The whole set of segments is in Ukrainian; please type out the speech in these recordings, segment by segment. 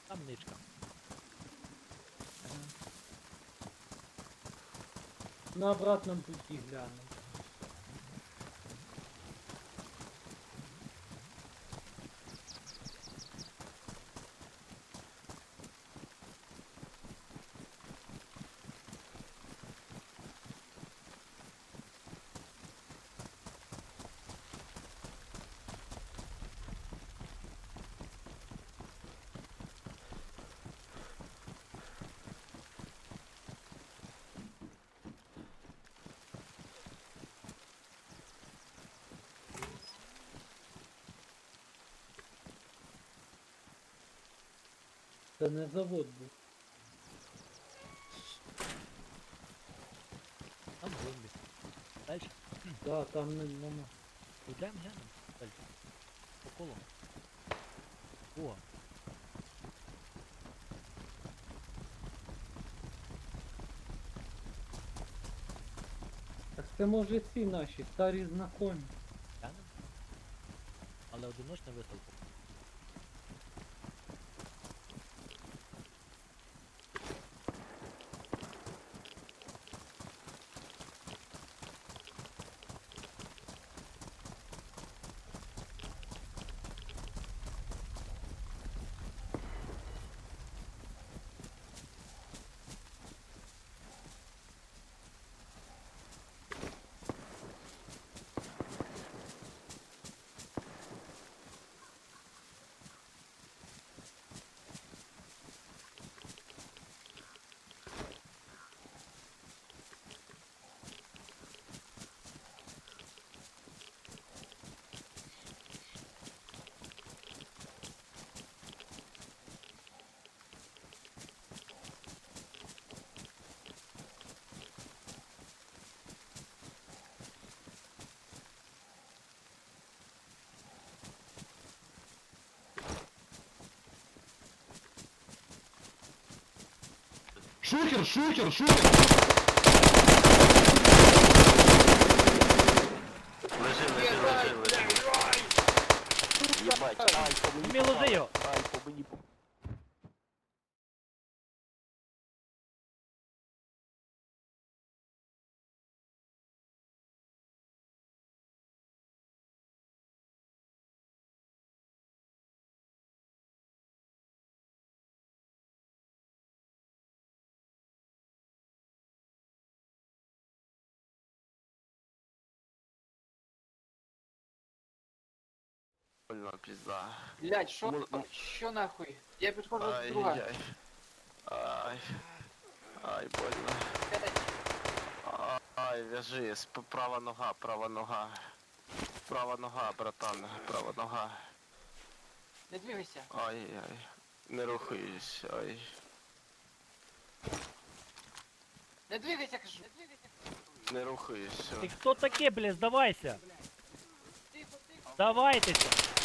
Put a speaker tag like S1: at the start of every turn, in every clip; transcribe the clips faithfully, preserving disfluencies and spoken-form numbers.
S1: Там ничка.
S2: На обратном пути гляну. Це не завод був.
S1: Там зомбі. Дальше.
S2: Да, там не- нема.
S1: Йдемо, глянемо. Дальше. По колу. О,
S2: Так це може ці наші старі знакомі.
S1: глянемо. Але одиночна виставка.
S3: Шухер, шухер, шухер!
S4: Лежи, лежи, лежи, лежи. Єбать, ай, по мені
S1: Мій, ложи його.
S4: попав, ай, по мені попав. Больно, пізда.
S5: Блять, що,
S4: М- м-
S5: що нахуй? Я підходжу до друга.
S4: Ай-яй. Ай. Ай, больно. Ай, вяжи, сп- права нога, права нога. Права нога, братан, права нога.
S5: Не двигайся.
S4: Ай-яй. Не рухаюсь, ай.
S5: Не двигайся, кажу. Не двигайся.
S4: Не рухаюсь,
S1: Ти
S4: все.
S1: хто таке, бля, здавайся?
S5: Тихо, тихо.
S1: Здавайтеся.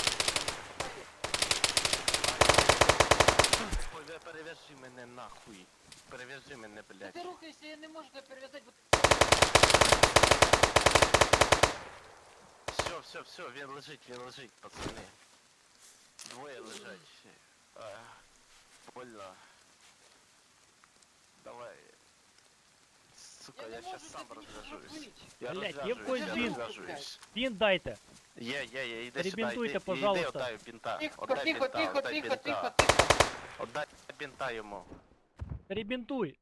S4: Ой, бля, перев'яжи мене нахуй. Перев'яжи мене,
S5: Та
S4: блядь.
S5: ти рухайся, я не можу тебе перев'язати, бо
S4: Все, все, все, він лежить, він лежить, пацани. Двоє лежать. А, больно. Давай. Сука,
S5: я
S4: я,
S5: не можу
S4: щас сам
S5: тебе нічого
S4: розв'яжусь.
S5: зробити.
S4: Я
S1: Блядь, є в
S4: розв'яжусь,
S1: когось
S4: я
S1: бінт?
S4: розв'яжусь.
S1: Він дайте.
S4: Є, є, є, іди сюди,
S1: Перебінтуйте,
S4: іди,
S1: пожалуйста.
S4: іди, отдай бінта.
S5: Тихо,
S4: Отдай
S5: тихо,
S4: бінта,
S5: тихо,
S4: отдай
S5: тихо, тихо,
S4: бінта.
S5: тихо.
S4: Отдай бінта йому.
S1: Перебінтуй.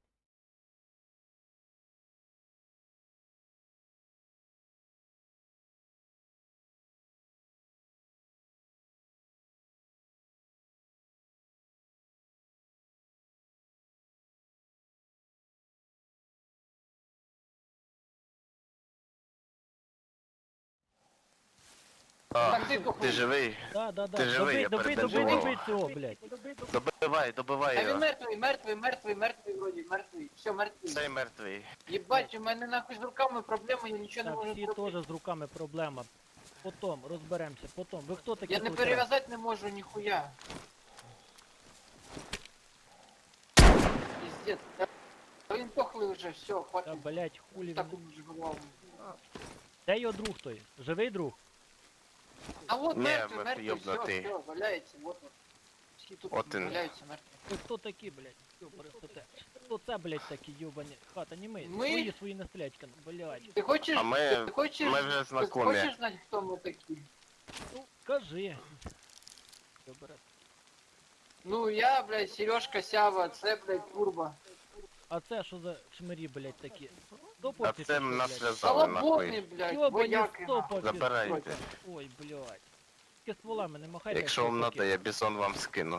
S4: А,
S5: Так, тихо,
S4: ти
S5: хуй.
S4: живий?
S1: Да, да, да.
S4: Ти живий,
S1: Добий,
S4: я
S1: добий, добий,
S4: перебінтував.
S1: добий цього, блядь.
S4: Добивай, добивай
S5: А він
S4: його.
S5: мертвий, мертвий, мертвий, мертвий вроді, мертвий. Все, мертвий.
S4: Цей мертвий.
S5: Єбать, у мене нахуй з руками проблеми, я нічого не
S1: Так,
S5: можу
S1: всі
S5: зробити.
S1: теж з руками проблема. Потом розберемося, потом. Ви хто такі?
S5: Я не
S1: тут?
S5: перев'язати не можу ніхуя. Пиздец. Та він тохлий вже, все,
S1: Та,
S5: хватить.
S1: блядь, хулі
S5: Так
S1: він.
S5: уже голову.
S1: Де його друг той? Живий друг?
S5: А вот
S4: Не,
S5: мертвый,
S4: мертвый,
S5: мертвый, все,
S4: ёбнутый.
S5: все, валяется, вот он. Всі тут
S4: От він.
S5: валяються мертві.
S1: Ви хто такі, блядь? Йобари те. Хто це, блядь, такі йобані? Хата, не ми.
S5: Ми?
S1: Свої свої не стрілять, блядь.
S5: Ти хочеш,
S4: А ми-
S5: ти хочеш,
S4: ми вже
S5: ти
S4: знакомі.
S5: хочеш знати, хто ми такі?
S1: Ну, кажи. Йобари.
S5: Ну я, блядь, Сережка Сява, це, блядь, Турбо.
S1: А це що за шмирі, блядь, такі?
S4: А
S1: Стопорці
S4: це
S1: чи що,
S4: нас
S1: блядь?
S4: зв'язали
S5: Салаботний,
S4: нахуй.
S5: блядь,
S1: Йобані
S5: вояки. нахуй.
S1: стопорці.
S4: Забирайте.
S1: Ой, блядь. Тільки стволами не махайте.
S4: Якщо
S1: як
S4: вам
S1: чуваки.
S4: надо, я бізон вам скину.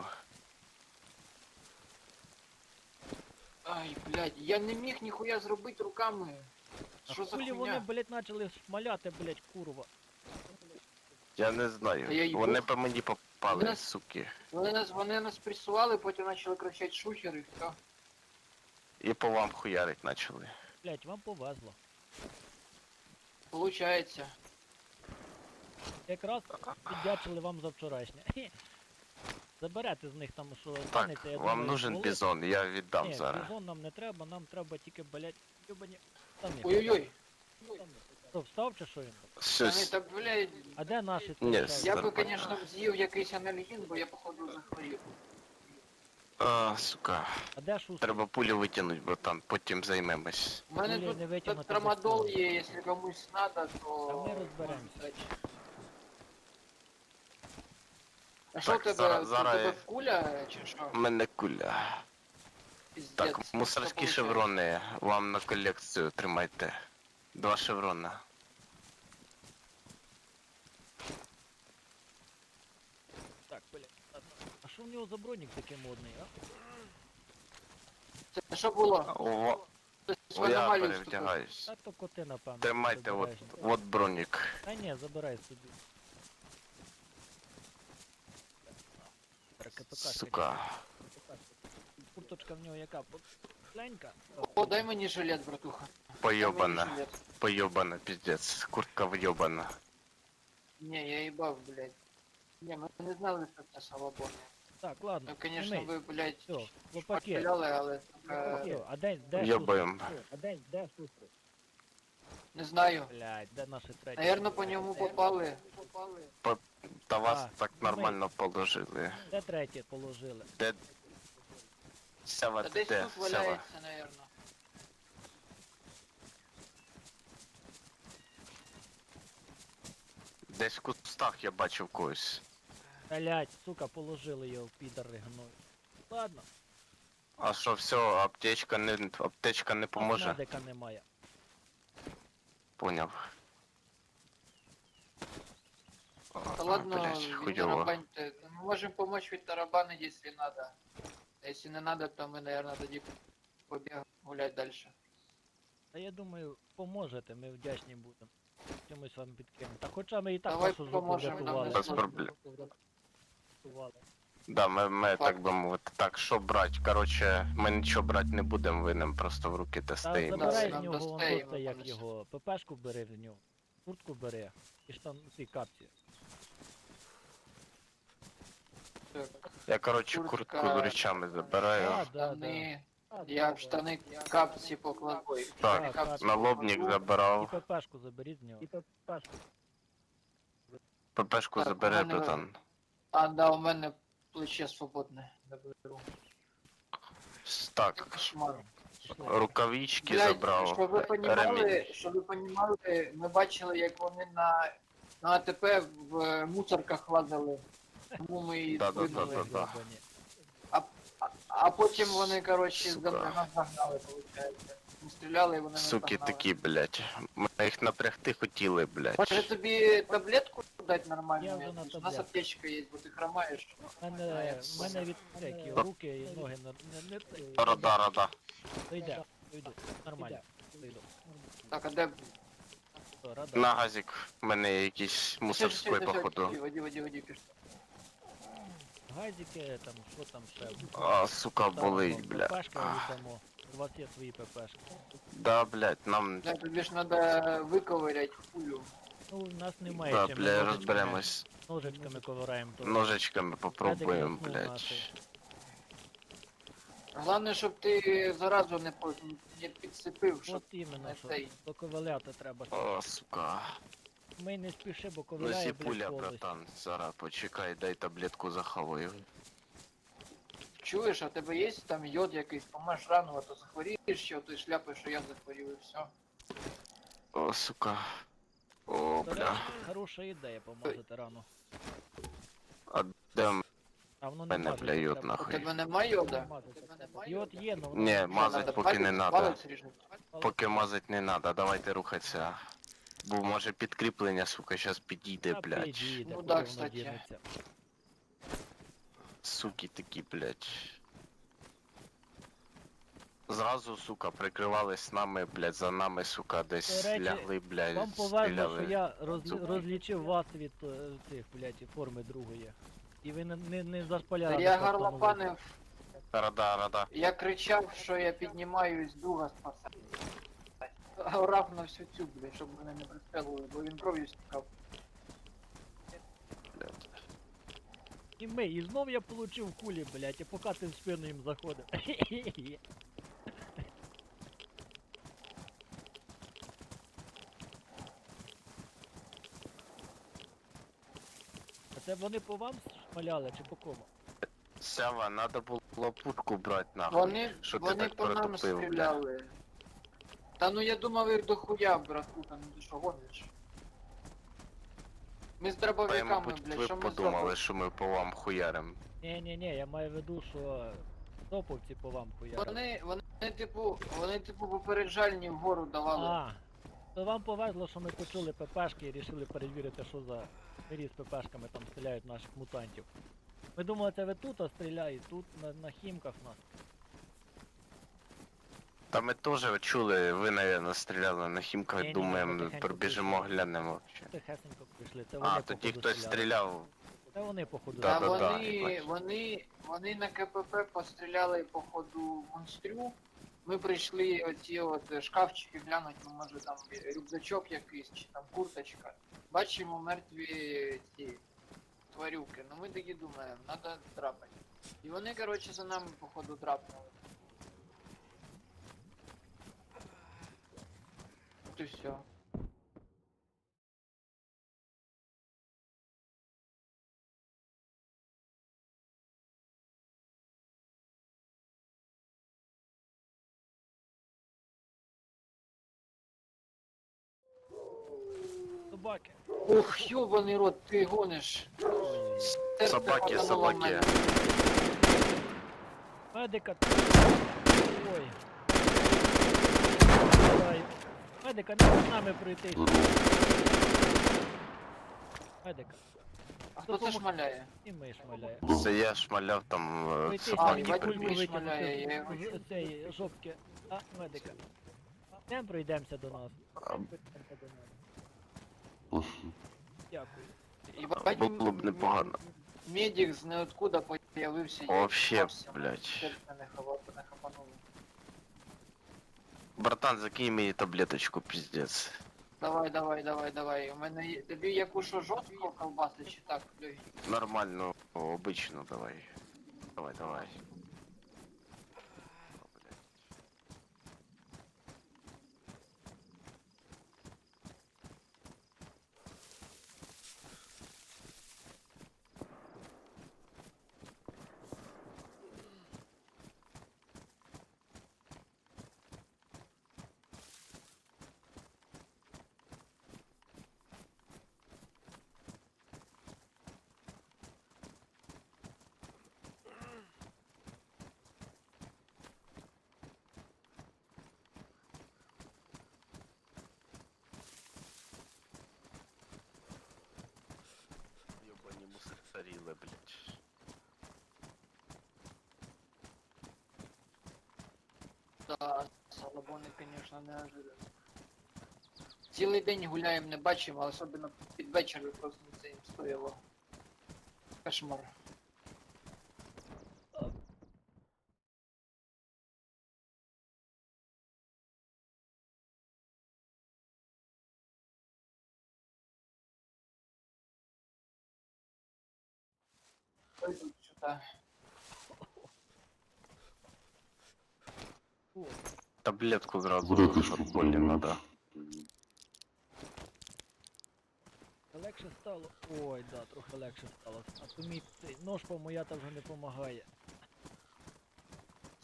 S5: Ай, блядь, я не міг ніхуя зробити руками.
S1: А
S5: Що за
S1: хулі вони,
S5: хуйня?
S1: блядь, почали шмаляти, блядь, курва.
S4: Я не знаю.
S5: Та я їбу.
S4: Вони по мені попали,
S5: Вони-
S4: суки.
S5: Вони нас, вони нас пресували, потім почали кричати шухер і все.
S4: І по вам хуярить почали.
S1: Блядь, вам повезло.
S5: Получається.
S1: Якраз віддячили вам за вчорашнє. Хе. Заберете з них там, що
S4: Так,
S1: станеться, я
S4: вам
S1: думаю,
S4: нужен
S1: стволи.
S4: бізон, я віддам
S1: Ні,
S4: зараз.
S1: бізон нам не треба, нам треба тільки, блядь, йобані штани.
S5: Ой-ой-ой.
S1: Що, встав чи що він?
S5: Вони
S4: Щось.
S5: так, блядь,
S1: А де наші?
S4: Ні,
S1: тут,
S4: с-
S5: я
S1: блядь?
S5: би, конечно, з'їв якийсь анальгін, бо я, походу, захворів.
S4: А, сука.
S1: А де шустер?
S4: Треба пулю витягнути, братан, потім займемось.
S5: У мене
S1: Блін,
S5: тут,
S1: не
S5: тут
S1: витягнути
S5: трамадол
S1: без
S5: є, якщо комусь надо, то...
S1: Та ми розберемося.
S5: можна дати. А що у
S4: Так,
S5: тебе,
S4: зараз-
S5: у
S4: зараз
S5: тебе
S4: я-
S5: куля, чи що?
S4: У мене куля.
S5: Пиздец,
S4: Так,
S5: що
S4: мусорські
S5: получається?
S4: шеврони вам на колекцію тримайте. Два шеврона.
S1: Так, блядь. ладно. А що в нього за бронік такий модний, а?
S5: Це що було?
S4: О,
S5: Хтось в
S4: о, я
S5: аномалію вступив.
S4: перевдягаюсь.
S1: Та то коти, напевно.
S4: Тримайте, от,
S1: обережно.
S4: от бронік.
S1: Та ні, забирай собі. Так, КПК,
S4: Сука.
S1: Курточка в нього яка? Пленька?
S5: О, дай мені жилет, братуха. Дай мені
S4: Поёбана.
S5: жилет.
S4: Поёбана, пиздец. Куртка въебана.
S5: Не, я їбав, блядь. Не, ми не знали, що це салабон.
S1: Так, ладно.
S5: Ну, конечно,
S1: знімись.
S5: ви, блядь,
S1: Все, хлопаки.
S5: шпаляли, але, сука,
S1: Все, а де, де
S4: Ёбаем.
S1: шустер? А де, де шустер?
S5: не знаю.
S1: Блядь, де наші треті?
S5: Наверно, по ньому попали.
S4: Та вас
S1: А,
S4: так нормально положили.
S1: Де треті положили?
S4: Де... Сява,
S5: Та
S4: ти
S5: десь
S4: де?
S5: тут
S4: Сява.
S5: валяється, наверно.
S4: Десь в кустах я бачив когось.
S1: Блядь, сука, положили його в підари гною. Ладно,
S4: А що, все, аптечка не, аптечка не поможе?
S1: медика немає.
S4: Поняв. О,
S5: Та ладно,
S4: блядь, хуйово.
S5: відтарабаньте. Мы можем помочь відтарабанить, если надо. А если не надо, то мы, наверное, тоді побігаємо гулять дальше.
S1: Та я думаю, поможете, ми вдячні будемо. Чомусь вам підкинемо. Та хоча ми і так
S5: Давай
S1: вашу жопу
S5: поможемо, нам
S1: врятували.
S5: не
S4: Без проблем.
S1: Врятували.
S4: Да, ми, ми
S5: Так.
S4: так би мовити. Так, що брать? Короче, ми нічого брати не будемо, ви нам просто в руки
S1: Та
S4: тестаємо.
S1: забирай
S5: Нам
S1: з нього вон
S5: достаємо,
S1: тут, як
S5: там
S1: його. ППшку бери в нього. Куртку бери. І штан, ці капці.
S5: Так,
S4: Я, короче,
S5: Куртка.
S4: куртку з речами забираю.
S1: А, да, да.
S5: штани. Я в штани капці покладу. Ой, в
S4: Так,
S5: штани капці
S4: Налобник
S5: покладу.
S1: І
S4: забрав.
S1: ППшку заберіть з нього. І ППшку.
S4: ППшку
S5: Так,
S4: забери,
S5: у мене-
S4: братан.
S5: А, да, у мене плече свободне. Заберу.
S4: Так,
S5: Кошмар.
S1: Пішли.
S4: рукавички
S5: Блядь,
S4: забрав.
S5: щоб ви понімали,
S4: Ремінь.
S5: щоб ви понімали, ми бачили, як вони на, на АТП в мусорках лазили. Тому ми її
S4: Да, да,
S5: скинули.
S4: да, да.
S1: Гребані.
S5: А, а потім вони, коротше,
S4: Сука.
S5: за нас загнали, виходить. Ми стріляли і вони нас
S4: Суки
S5: загнали.
S4: такі, блядь. Ми їх напрягти хотіли, блядь.
S5: Може тобі таблетку дати
S1: Я
S5: нормально?
S1: вже на
S5: У нас
S1: таблетку.
S5: аптечка є, бо ти хромаєш.
S1: У мене, в мене від всякі руки і ноги не, не, не, цей.
S4: Рада, рада.
S1: Дойде, дойду. Нормально. Дойду.
S5: Так, а де...
S1: Що, рада?
S4: На газик. У мене є якийсь мусорський, походу.
S5: Воді, воді, воді, пішли.
S1: Газики, там, що там ще?
S4: А, сука,
S1: Там,
S4: болить,
S1: там,
S4: бля.
S1: ППшки
S4: Ах.
S1: віддамо. У вас є свої ППшки.
S4: Да, блядь, нам...
S5: Бля, тобі ж треба виковирять пулю.
S1: Ну, у нас немає
S4: Да,
S1: чим.
S4: бля,
S1: ножичками-
S4: розберемось.
S1: Ножичками ковираємо. то.
S4: Ножичками попробуємо,
S1: Медик
S4: блядь.
S1: наш.
S5: Головне, щоб ти заразу не, по- не підсипив, щоб
S1: От іменно,
S5: не
S1: що
S5: цей.
S1: доковиляти треба.
S4: О, сука.
S1: Ми не спіши, бо
S4: Ну
S1: ковиляє,
S4: сі
S1: блядь,
S4: пуля,
S1: повністю.
S4: братан. Зараз почекай, дай таблетку захаваю.
S5: Чуєш, а в тебе є там йод якийсь, помаш рану, а то захворієш ще, ти шляпиш, що я захворів і все.
S4: О, сука. О,
S1: До
S4: бля.
S1: речі, хороша ідея помазати рану.
S4: А де в
S1: А воно не
S4: мене,
S1: мажеться,
S4: бля, йод
S1: треба.
S5: У
S4: нахуй?
S5: тебе немає йода?
S1: Не мазаться
S5: У тебе
S1: треба.
S5: немає
S1: Йод
S5: йода?
S1: є, но воно
S4: Ні,
S1: не
S4: мазать
S5: Надо
S4: поки не
S5: палець-
S4: надо.
S5: Палець ріжнути.
S4: Поки мазать не надо, давайте рухатися. Бо може підкріплення, сука, щас підійде,
S1: Та
S4: блядь.
S1: підійде,
S5: Ну
S1: куди
S5: да,
S1: воно
S5: кстати.
S1: дінеться.
S4: Суки такі, блядь. Зразу, сука, прикривались нами, блядь, за нами, сука, десь
S1: До речі,
S4: лягли, блядь,
S1: Вам повезло, що
S4: стріляли.
S1: я розлі-
S4: Зуб.
S1: розлічив вас від е, цих, блядь, форми другої. І ви не, не, не зашпаляли.
S5: Та я
S1: просто на
S5: горлопанив,
S4: Рада, рада.
S5: я кричав, що я піднімаюсь друга спасати. Орав на всю цю, блядь, щоб мене не пристрелили, бо він кров'ю стікав.
S4: Блядь.
S1: І ми, і знов я получив кулі, блядь, і поки ти в спину їм заходив. А це вони по вам шмаляли чи по кому?
S4: Сява, надо було пушку брати, нахуй.
S5: Вони,
S4: Що ти
S5: вони
S4: так
S5: по нам
S4: протупив, бля?
S5: стріляли. Та ну я думав їх дохуя, братку, там ти що гониш? Ми з
S4: Та й,
S5: дробовиками,
S4: мабуть,
S5: блядь,
S4: ви
S5: що ми
S4: подумали,
S5: зробили?
S4: що ми по вам хуярим.
S1: Ні-ні-ні, я маю в виду, що топовці по вам хуярили.
S5: Вони, вони, типу, вони, типу, попереджальні вгору давали.
S1: А, то вам повезло, що ми почули ППшки і рішили перевірити, що за мирі з ППшками там стріляють наших мутантів. Ми думали, це ви тут а стріляють, тут на, на хімках нас.
S4: Та ми теж чули, ви, напевно, стріляли на хімках,
S1: Ні-ні,
S4: думаємо,
S1: ми тихенько
S4: пробіжимо,
S1: прийшли.
S4: глянемо.
S1: Тихесенько прийшли, це вони
S4: А, тоді
S1: походу
S4: хтось
S1: стріляли.
S4: стріляв.
S1: Це вони походу
S4: Да,
S5: А
S4: да,
S1: стріляли.
S4: да,
S5: вони,
S4: їбать.
S5: вони, вони на КПП постріляли по ходу монстрю. Ми прийшли оці от шкафчики глянуть, ну може там рюкзачок якийсь, чи там курточка. Бачимо мертві ці тварюки. Ну ми такі думаємо, треба драпати. І вони, коротше, за нами походу драпнули. От і все.
S1: Собаки.
S5: Ох, ёбаний рот, ти гониш. Серце
S4: Собаки,
S5: хватануло в
S4: собаки.
S5: мене.
S1: Медика. Ой. Давай. Медика, не з нами пройти. Медика.
S5: А хто це шмаляє?
S1: І ми шмаляє.
S4: Це я шмаляв там е,
S1: Пройти,
S5: А,
S1: там
S4: собаки
S1: мені
S5: їбать,
S1: кульку
S4: прибіг.
S5: Міш шмаляє, я
S1: викинути
S5: його
S1: з з цієї жопки. А, медика. Йдемо пройдемося до нас. Йдемо пройдемося до нас. Дякую.
S5: Ебать,
S4: Було б непогано.
S5: Медик з неоткуда появився. і
S4: Вообще,
S5: впався,
S4: блядь.
S5: серце не хава- не хапануло.
S4: Братан, закинь мені таблеточку, пиздец.
S5: Давай, давай, давай, давай. У мене є. Тобі яку що жорстко колбаси чи так, легенько?
S4: Нормально, обычно давай. Давай, давай. О, блядь. Ёбані мусорили, блядь.
S5: Да, салабони, конечно, неожиданно. Цілий день гуляємо, не бачимо, а особливо під вечір просто це їм стояло. Кошмар. Пойдуть сюди.
S1: О,
S4: Таблетку зразу,
S3: Таблеточку,
S4: щоб болі надо.
S1: легше стало. Ой, да, трохи легше стало. А то мій цей нож помоята вже не допомагає.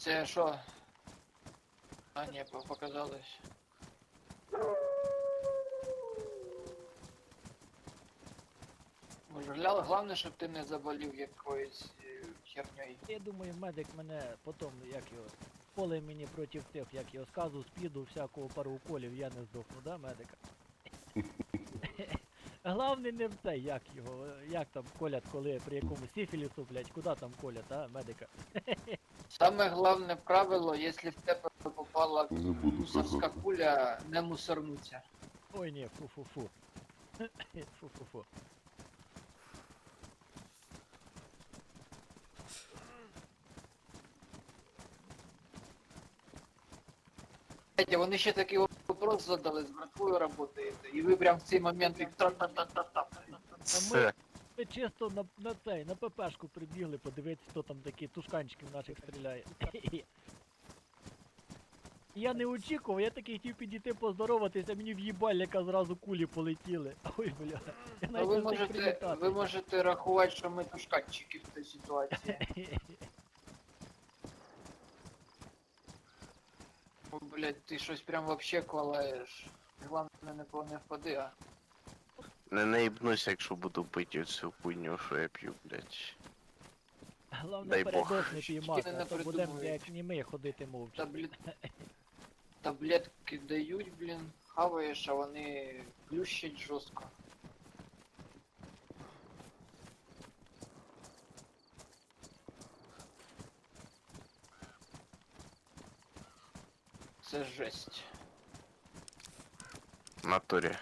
S5: Це що? А, ні, по- показалось. Може, гля- головне, щоб ти не заболів якоюсь е, херньою.
S1: Я думаю, медик мене потім, як його, поле мені проти тих, як його сказу, спіду, всякого пару уколів, я не здохну, да, медика? Главне не в те, як його, як там колять, коли при якому сифілісу, блядь, куди там колять, а, медика?
S5: Саме головне правило, якщо в тебе попала
S3: Не буду
S5: мусорська
S3: казати.
S5: куля, не мусорнуться.
S1: Ой, ні, фу-фу-фу. Фу-фу-фу.
S5: Знаєте, вони ще такий вопрос задали, з братвою работаєте, і ви прям в цей момент їх та-та-та-та-та.
S4: Це.
S1: Ми чисто на, на цей, на ППшку прибігли, подивитися, хто там такі тушканчиків наших стріляє. Я не очікував, я такий хотів підійти поздороватися, мені в їбальника зразу кулі полетіли. Ой, бля. Я
S5: Ну,
S1: навіть
S5: ви
S1: не встиг
S5: можете,
S1: привітатися.
S5: ви можете рахувати, що ми тушканчики в цій ситуації. О, блядь, ти щось прям вообще квалаєш. Главное не по- не впади, а.
S4: Не наїбнуся, якщо буду пити цю хуйню, що я п'ю, блядь.
S1: Головне
S4: Дай Бог.
S1: передос не піймати,
S5: Тільки
S1: а
S5: не
S1: то будемо
S5: придумують.
S1: як німий ходити мовчки.
S5: Таблет... Таблетки дають, блін, хаваєш, а вони плющать жорстко. Це жесть.
S4: В натурі.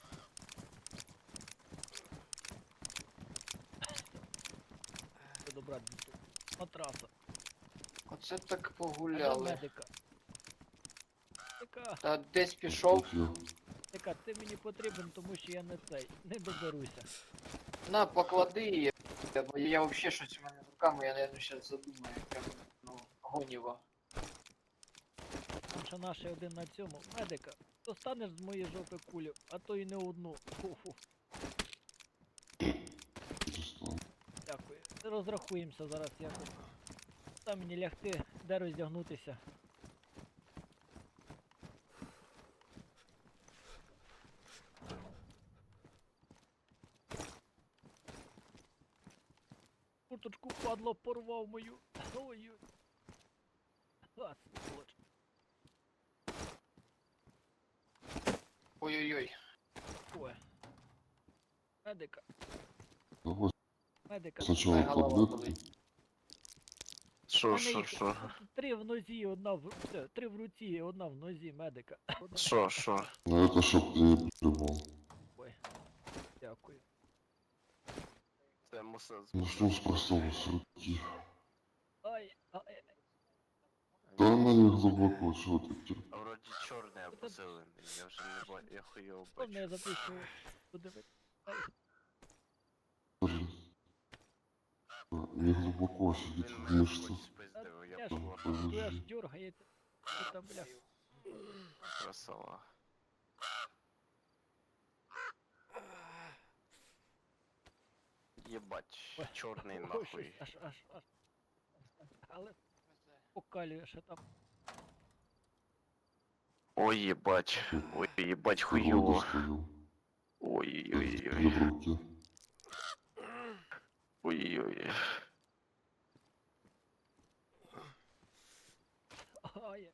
S1: Це добра дітей. Матраса.
S5: Оце так
S1: А де
S5: погуляли.
S1: медика? Медика,
S5: Та десь пішов.
S3: От я.
S1: медика, ти мені потрібен, тому що я не цей, не доберуся.
S5: На, поклади її. Бо я вообще щось у мене з руками, я, наверное, зараз задумаю. Прям, ну, гоніво.
S1: Там ще наші один на цьому. Медика, достанеш з моєї жопи кулю, а то і не одну. Фу-фу.
S3: Дістану.
S1: Дякую. Розрахуємося зараз якось. Там мені лягти, де роздягнутися. Курточку падло, порвав мою. Ой-ой. А, сволоч.
S5: Ой-ой-ой.
S1: Ой. Медика,
S3: Давай
S1: медика.
S3: спочатку
S5: Ай, голова
S3: таблетки.
S5: болить.
S4: Що,
S1: Мене
S4: що,
S1: їх
S4: що?
S1: Три в нозі, одна в все, три в руці, одна в нозі медика.
S4: Що, що?
S3: Ну это чтоб ты не плевал.
S1: Ой. Дякую.
S4: Це мусор.
S3: Начнем с простого, с руки.
S1: Ай, ай,
S3: Да она не глубоко, чего ты тер-
S4: А вроді чорний або зелений, я вже не бачу, я хуйово
S1: Повне я
S4: бачу.
S1: запишу. Подивитися. Ай,
S3: Блин. А, не глубоко сидит
S4: Він
S3: в
S4: мене
S3: мышцах.
S4: хоч спиздив, я
S1: я ж,
S4: була
S1: ви аж
S3: Подожди.
S1: дергаєте. Що там, бля.
S4: красава. Єбать,
S1: Ой,
S4: чорний
S1: Ой,
S4: нахуй.
S1: щось аж, аж, аж. Але покалює ще там.
S4: Ой, єбать, ой, єбать,
S3: Природа
S4: хуйово.
S3: стою.
S4: Ой-ой-ой.
S3: в руке.
S4: Ой-ой-ой.
S1: Ай.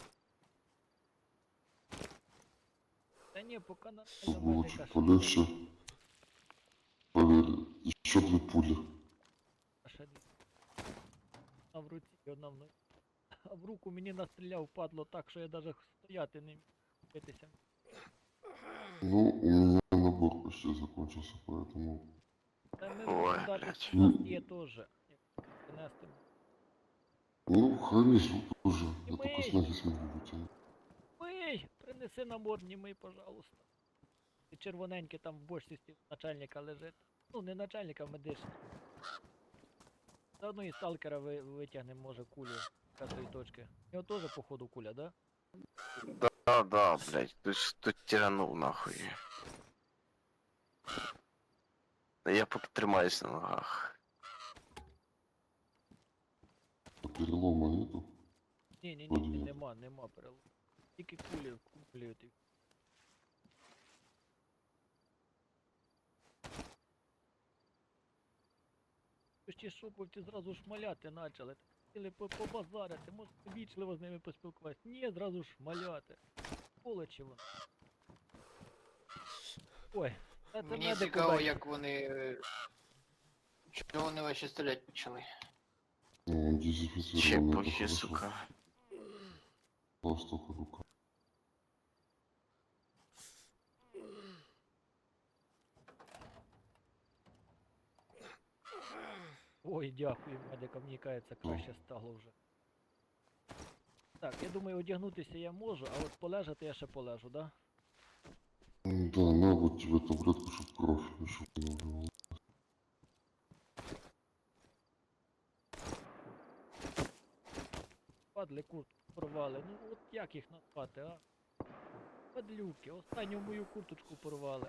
S1: Та ні, поки на
S3: Было
S1: медика
S3: чуть
S1: ще
S3: полегче. Поверь, еще две пули.
S1: ще дві. Одна в руці і одна в нозі. А в руку мені настріляв, падло так, що я навіть стояти не міг битися.
S3: Ну, у меня набор почти закончился, поэтому...
S1: Та ми
S4: Ой,
S1: можемо дати
S4: блядь.
S1: у нас є теж. як принести.
S3: Ну, хранись тоже.
S1: И
S3: Я только
S1: мы-
S3: с ноги смогу вытянуть.
S1: Ой, принеси набор німий, пожалуйста. І червоненький там в бочці стіл начальника лежить. Ну, не начальника, а медичний. Заодно і сталкера ви, витягнемо, може, кулю з п'ятої точки. У нього теж, походу, куля, да?
S4: Да, да, блядь, тут, тут тиранув нахуй. Я поки тримаюсь на ногах.
S3: Перелома нету.
S1: Ні, ні, ні,
S3: Вроді
S1: ні,
S3: ні.
S1: нема, нема перелому. Тільки кулі вкуплюють. Ті шоповці зразу шмаляти почали. Хотіли по- побазарити, може вічливо з ними поспілкуватися. Ні, зразу шмаляти. Полечі вони. Ой, та це
S5: Мені
S1: медик
S5: цікаво,
S1: убачив.
S5: як вони. е, Чого вони ваші стріляти почали?
S3: Ну, он дезинфицированный, это
S4: Чепухи,
S3: хорошо.
S4: сука.
S3: Просто рука.
S1: Ой, дякую, медикам, мені кажеться, краще стало вже. Так, я думаю, одягнутися я можу, а от полежати я ще полежу, да?
S3: М, Да, на вот тебе таблетку, чтоб кровь еще не убивала.
S1: Падли куртку порвали. Ну от як їх назвати, а? Падлюки, останню мою курточку порвали.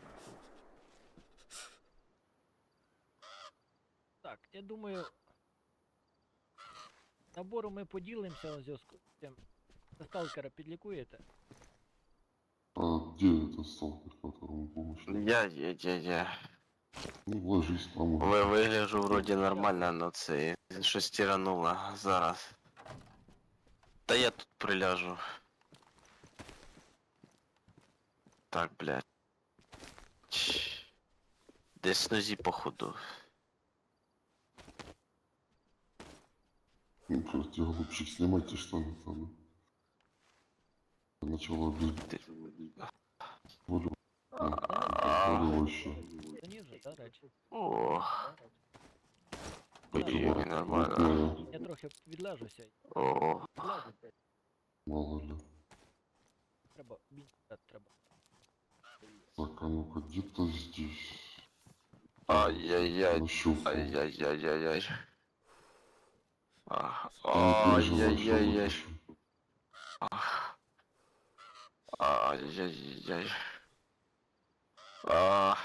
S1: Так, я думаю. Набором ми поділимося у зв'язку з цим. Ви сталкера підлікуєте?
S3: А где этот сталкер, которому помощь надо?
S4: Я, я, я, я.
S3: Ну, ложись там.
S4: Ви вигляжу вроді нормально, но це щось тирануло зараз. Та я тут приляжу. Так, блядь. Чш. Десь нозі походу.
S3: Ну, просто голубчик, снимайте штаны там. Начало без
S4: Ти-
S3: боли.
S4: А,
S3: Боли вообще.
S1: Це ні вже, да, речі?
S4: О,
S1: Так,
S4: ой, нормально.
S3: Крупная,
S1: я трохи відлежуся.
S4: О,
S1: Відлежуся.
S3: мало ли.
S1: Треба, бінт треба.
S3: Так, а ну-ка, где-то здесь.
S4: ай-яй-яй,
S3: Нащупал.
S4: ай-яй-яй-яй-яй. А,
S3: Не переживай, что
S4: Ай-яй-яй-яй.
S3: вытащу.
S4: Ай-яй-яй. А.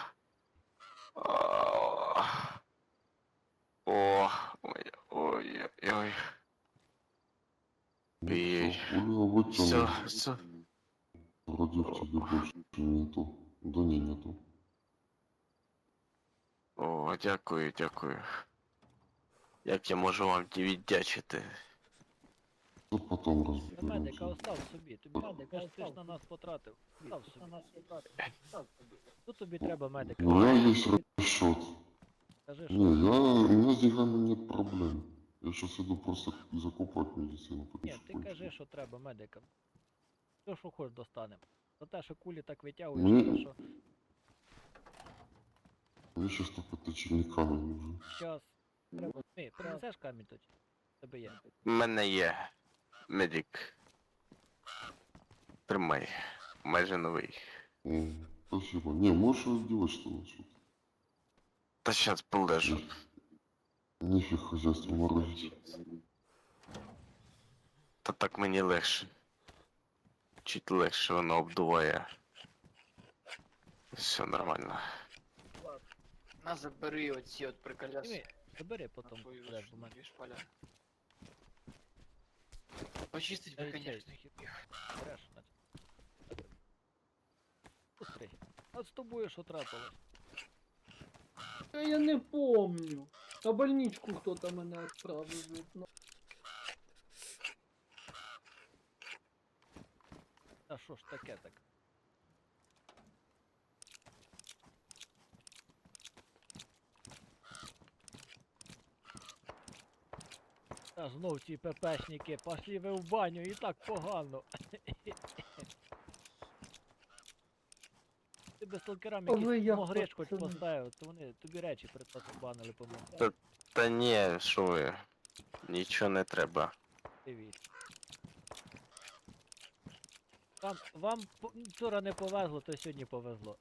S4: А. О, ой, ой, ой.
S3: Ну,
S4: Эй.
S3: всё, пуля
S4: Все,
S3: вытянут.
S4: все.
S3: Вроде в тебе больше нету. Да не, нету.
S4: О, дякую, дякую. Як я можу вам віддячити?
S3: Ну, потом
S1: Та медика
S3: разберемся.
S1: остав собі, тобі медика ти ж на нас потратив. Остав собі. Що тобі треба медика?
S3: У меня есть расчет.
S1: Скажи,
S3: Не,
S1: що
S3: я, у меня с деньгами нет проблем. Я сейчас иду просто закупать медицину. потому
S1: ні,
S3: что
S1: ти
S3: кончилось.
S1: кажи, що треба медикам. Все, що хоч достанемо. За те, що кулі так витягуєш,
S3: Ми-
S1: те, що
S3: Мне сейчас только точильный камень нужен.
S1: час. Треба. Ми, принесеш камінь тоді? Тебе є.
S4: У мене є медик. Тримай. Майже новий.
S3: О, спасибо. Не, можешь делать что-то. что
S4: Та щас полежу.
S3: Нефиг хозяйство морозить.
S4: Та так мені легше. Чуть легше воно обдуває. Все нормально.
S5: На, забери оці от
S1: І
S5: приколяси.
S1: ми, забери
S5: На
S1: потім.
S5: свою
S1: будеш
S5: ж
S1: до мене.
S5: дві шпаля. Почистить
S1: Ей,
S5: би,
S1: цей,
S5: конечно,
S1: хі- береш, значить. Пусти. А з тобою що трапилось?
S2: Та я не помню. На больничку хто-то мене відправив. від- ну,
S1: Та що ж таке так? Та знов ці ППшники, пошли ви в баню, і так погано. Ти без сталкерам
S2: А ви
S1: якийсь
S2: як,
S1: могрич хоч
S2: пацани?
S1: поставив, то вони тобі речі припасобанили, по-моєму.
S4: Та ні, що ви. Нічого не треба.
S1: Дивіться. Вам, вам по- вчора не повезло, то сьогодні повезло.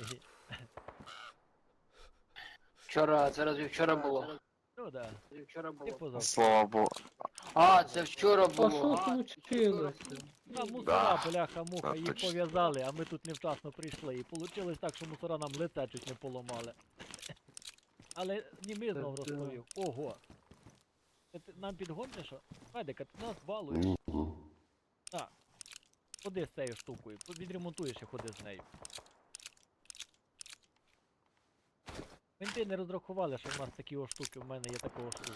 S5: Вчора, це разве вчора було?
S1: Ну да,
S5: Це вчора
S1: і
S5: було.
S1: позавчора.
S4: Слава Богу.
S5: А, це вчора
S2: А
S5: було.
S2: що
S5: А,
S2: случилося?
S1: А мусора,
S4: Да.
S1: бляха-муха,
S4: Да,
S1: їх
S4: точно.
S1: пов'язали, а ми тут невчасно прийшли. І получилось так, що мусора нам лице чуть не поламали. Але німий знов
S2: Та да.
S1: розповів. Ого. Це ти нам підгониш, що? Медика, ти нас балуєш.
S3: Ну, да.
S1: Ходи з цією штукою, по- відремонтуєш і ходи з нею. Менти не розрахували, що в нас такі о штуки, в мене є такого штуки.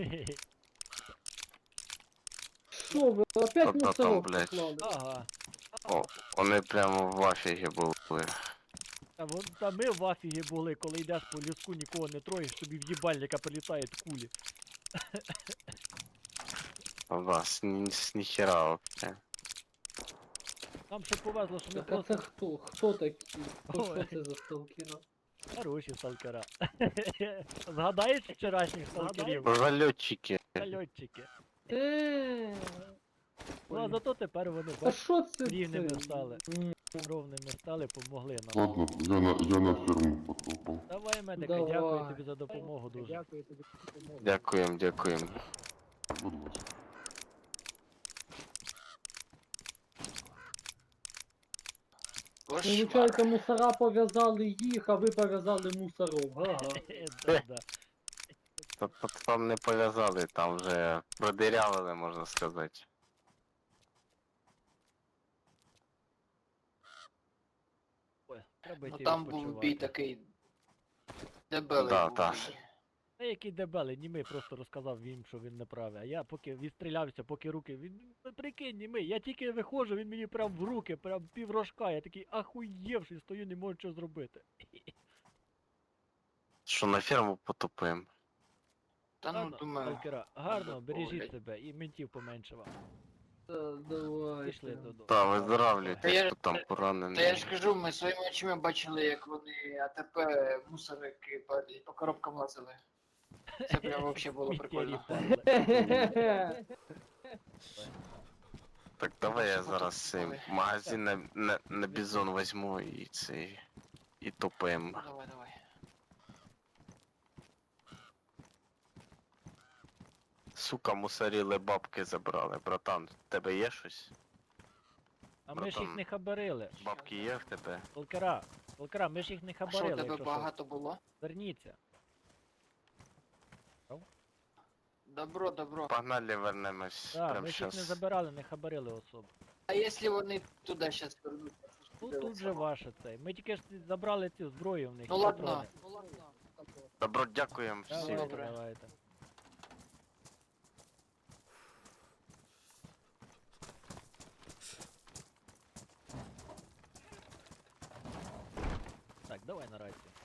S2: Що ви, опять
S4: Та-та там,
S2: мусорок
S4: блядь.
S2: поклали?
S1: Ага.
S4: О, вони прямо в афігі були.
S1: Та, вон, та ми в афігі були, коли йдеш по ліску, нікого не троїш, тобі в їбальника прилітають кулі.
S4: Вас ні, з ніхера вообще.
S1: Нам ще повезло, що ми
S2: Так, а це
S1: просто
S2: хто? Хто такі? Хто,
S1: Ой.
S2: що це за сталкера?
S1: хороші сталкера. Згадаєш вчорашніх сталкерів?
S4: Зальотчики.
S1: Зальотчики.
S2: Еee.
S1: Ну а зато тепер вони
S2: А
S1: бач,
S2: що це?
S1: рівними
S2: це?
S1: стали.
S2: М,
S1: ровними стали, помогли нам.
S3: Ладно, я на, я на ферму потопал.
S1: Давай, медика,
S2: Давай.
S1: дякую тобі за допомогу дуже. Дякую тобі за допомогу.
S4: Дякуємо, дякуємо.
S3: Будь ласка.
S5: Кошмар.
S2: Виходить, мусора пов'язали їх, а ви пов'язали мусоров. Ага.
S1: Да, да.
S4: Та- та Там не пов'язали, там вже продирявили, можна сказати.
S1: Ой, треба
S5: Ну
S1: йти
S5: там був бій
S1: відпочивати.
S5: такий дебелий
S4: Да,
S5: був
S4: та.
S5: бій.
S1: Та який дебелий, німий просто розказав їм, що він не правий. А я поки відстрілявся, поки руки. Він ну, прикинь, німий, я тільки виходжу, він мені прям в руки, прям піврожка. Я такий ахуєвший, стою, не можу що зробити.
S4: Що на ферму потопимо.
S5: Та ну
S1: Ладно,
S5: думаю.
S1: сталкера, гарно,
S5: надо
S1: бережіть
S5: погуляти.
S1: себе і ментів поменше вам.
S2: Та, давай.
S1: Пішли додому.
S4: Та, виздоравлюйте,
S5: Та я
S4: хто
S5: ж-
S4: там
S5: Та я
S4: поранений.
S5: ж кажу, ми своїми очима бачили, як вони АТП мусорики по, по коробкам лазили. Це прям вообще було
S1: Сміттєрі
S5: прикольно.
S1: падли.
S4: Так давай я
S5: Що
S4: зараз
S5: тут
S4: цей
S5: мали?
S4: магазин на, на, на бізон возьму і цей. І топимо.
S5: Давай, давай.
S4: Сука, мусоріли, бабки забрали. Братан, в тебе є щось?
S1: А ми ж їх
S4: Братан.
S1: не хабарили.
S4: Бабки є в тебе?
S1: Сталкера, сталкера, ми ж їх не
S5: А що, у
S1: хабарили,
S5: тебе
S1: якщо що.
S5: багато було?
S1: Верніться.
S5: Добро, добро.
S4: Погнали, вернемось
S1: Так,
S4: прямо
S1: ми ж їх не
S4: щас.
S1: забирали, не хабарили особу.
S5: А якщо вони туди зараз вернуться? Це ж
S1: Ну
S5: буде
S1: тут же
S5: весело.
S1: ваше цей. Ми тільки ж забрали цю зброю в них.
S5: Ну
S1: і
S5: ладно.
S1: патрони.
S5: Ну ладно.
S4: Добро, дякуємо всім.
S1: Давайте,
S5: Добре.
S1: давайте. Так, давай на рацію.